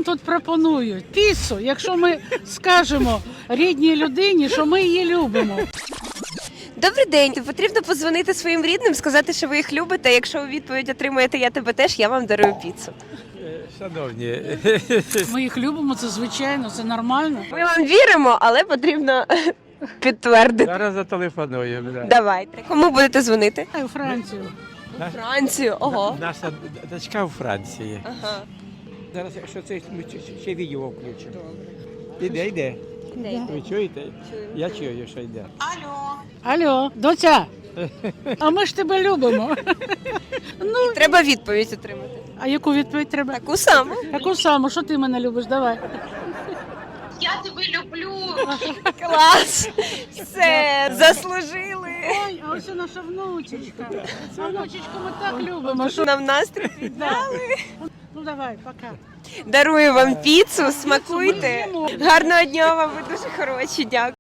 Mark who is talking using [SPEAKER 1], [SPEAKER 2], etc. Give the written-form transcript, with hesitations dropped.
[SPEAKER 1] нам тут пропонують? Піцу, якщо ми скажемо рідній людині, що ми її любимо.
[SPEAKER 2] Добрий день. Потрібно подзвонити своїм рідним, сказати, що ви їх любите. Якщо у відповідь отримаєте «я тебе теж», я вам дарую піцу.
[SPEAKER 3] Шановні,
[SPEAKER 1] Ми їх любимо, це звичайно, це нормально.
[SPEAKER 2] Ми вам віримо, але потрібно підтвердити.
[SPEAKER 3] зараз зателефонуємо. Да.
[SPEAKER 2] Давайте. Кому будете дзвонити?
[SPEAKER 1] А у Францію.
[SPEAKER 2] У Францію. Ого.
[SPEAKER 3] Наша дочка у Франції.
[SPEAKER 2] Ага.
[SPEAKER 3] Зараз, якщо це ми ще відео включимо. Йде. Ви чуєте? Я чую, що йде.
[SPEAKER 1] Алло, доця, а ми ж тебе любимо. Ну,
[SPEAKER 2] Треба відповідь отримати.
[SPEAKER 1] а яку відповідь треба?
[SPEAKER 2] Таку саму.
[SPEAKER 1] Таку саму, що ти мене любиш, давай.
[SPEAKER 4] Я тебе люблю.
[SPEAKER 2] Клас. Все, заслужили.
[SPEAKER 1] Ой, а ось і наша внучечка. А внучечку ми так любимо. Що...
[SPEAKER 2] Нам настрій підняли.
[SPEAKER 1] Ну давай, пока.
[SPEAKER 2] Дарую вам піцу, смакуйте. Гарного дня вам, ви дуже хороші, дякую.